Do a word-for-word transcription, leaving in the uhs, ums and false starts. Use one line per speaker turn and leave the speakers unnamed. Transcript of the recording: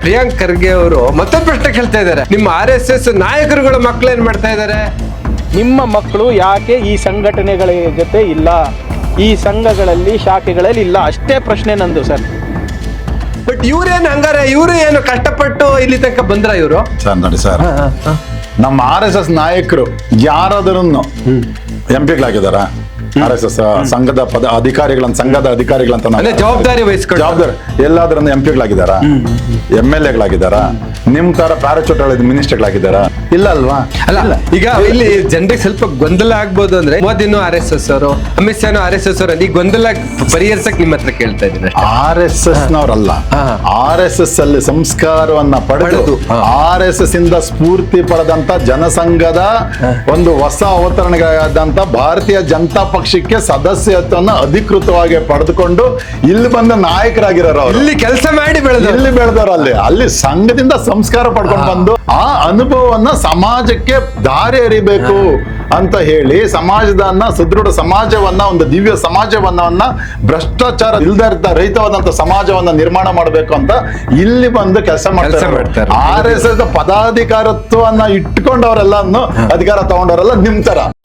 ಪ್ರಿಯಾಂಕ್ ಖರ್ಗೆ ಅವರು ಮತ್ತೊಂದು ಪ್ರಶ್ನೆ ಕೇಳ್ತಾ ಇದ್ದಾರೆ, ನಿಮ್ಮ ಆರ್ ಎಸ್ ಎಸ್ ನಾಯಕರುಗಳ ಮಕ್ಕಳು ಏನ್ ಮಾಡ್ತಾ ಇದ್ದಾರೆ?
ನಿಮ್ಮ ಮಕ್ಕಳು ಯಾಕೆ ಈ ಸಂಘಟನೆಗಳ ಜೊತೆ ಇಲ್ಲ, ಈ ಸಂಘಗಳಲ್ಲಿ ಶಾಖೆಗಳಲ್ಲಿ ಇಲ್ಲ, ಅಷ್ಟೇ ಪ್ರಶ್ನೆ ನಂದು ಸರ್.
ಬಟ್ ಇವ್ರೇನು ಹಂಗಾರೆ, ಇವರು ಏನು ಕಷ್ಟಪಟ್ಟು ಇಲ್ಲಿ ತನಕ ಬಂದ್ರ ಇವರು?
ಸರ್ ನೋಡಿ ಸರ್, ನಮ್ಮ ಆರ್ ಎಸ್ ಎಸ್ ನಾಯಕರು ಯಾರಾದರೂ ಎಂ ಪಿಗಳಾಗಿದಾರ? ಆರ್ ಎಸ್ ಎಸ್ ಸಂಘದ ಪದ ಅಧಿಕಾರಿಗಳಂತ ಸಂಘದ ಅಧಿಕಾರಿಗಳಂತ ನಾವು
ಜವಾಬ್ದಾರಿ ವಹಿಸ್ಕೊಂಡು
ಜವಾಬ್ದಾರಿ ಎಲ್ಲಾದ್ರೂ ಎಂ ಪಿಗಳಾಗಿದಾರ, ಎಂ ಎಲ್ ಎಗಳಾಗಿದಾರ, ನಿಮ್ ತರ ಪ್ಯಾರಾಚೂಟ್ ಮಿನಿಸ್ಟರ್ಗಳಾಗಿದಾರ? ಇಲ್ಲ ಅಲ್ವಾ?
ಅಲ್ಲ, ಈಗ ಇಲ್ಲಿ ಜನರಿಗೆ ಸ್ವಲ್ಪ ಗೊಂದಲ ಆಗ್ಬೋದು ಅಂದ್ರೆ, ಮೋದಿನೂ ಆರ್ ಎಸ್ ಎಸ್ ಅವರು, ಅಮಿತ್ ಶಾನು ಆರ್ ಎಸ್ ಎಸ್ ಅವರು, ಈ ಗೊಂದಲ ಪರಿಹರಿಸಕ್ ನಿಮ್ಮ ಹತ್ರ ಕೇಳ್ತಾ ಇದ್ದೀನಿ.
ಆರ್ ಎಸ್ ಎಸ್ ನವರಲ್ಲ, ಆರ್ ಎಸ್ ಎಸ್ ಅಲ್ಲಿ ಸಂಸ್ಕಾರವನ್ನ ಪಡೆದು ಆರ್ ಎಸ್ ಎಸ್ ಇಂದ ಸ್ಫೂರ್ತಿ ಪಡೆದಂತ ಜನಸಂಘದ ಒಂದು ಹೊಸ ಅವತರಣೆಗಳಾದಂತ ಭಾರತೀಯ ಜನತಾ ಪಕ್ಷಕ್ಕೆ ಸದಸ್ಯತ್ವವನ್ನು ಅಧಿಕೃತವಾಗಿ ಪಡೆದುಕೊಂಡು ಇಲ್ಲಿ ಬಂದ ನಾಯಕರಾಗಿರೋರು ಅವರು.
ಇಲ್ಲಿ ಕೆಲಸ ಮಾಡಿ ಬೆಳೆದ
ಇಲ್ಲಿ ಬೆಳೆದವರು, ಅಲ್ಲಿ ಅಲ್ಲಿ ಸಂಘದಿಂದ ಸಂಸ್ಕಾರ ಪಡ್ಕೊಂಡು ಬಂದು ಆ ಅನುಭವವನ್ನ ಸಮಾಜಕ್ಕೆ ದಾರಿ ಎರಿಬೇಕು ಅಂತ ಹೇಳಿ ಸಮಾಜದನ್ನ ಸುದೃಢ ಸಮಾಜವನ್ನ, ಒಂದು ದಿವ್ಯ ಸಮಾಜವನ್ನ, ಭ್ರಷ್ಟಾಚಾರ ಇಲ್ದ ರಹಿತವಾದಂತ ಸಮಾಜವನ್ನ ನಿರ್ಮಾಣ ಮಾಡಬೇಕು ಅಂತ ಇಲ್ಲಿ ಬಂದು ಕೆಲಸ ಮಾಡ್ತಾರೆ. ಆರ್ ಎಸ್ ಎಸ್ ಪದಾಧಿಕಾರತ್ವವನ್ನ ಇಟ್ಕೊಂಡವರೆಲ್ಲ ಅಧಿಕಾರ ತಗೊಂಡವರೆಲ್ಲ ನಿಮ್ ತರ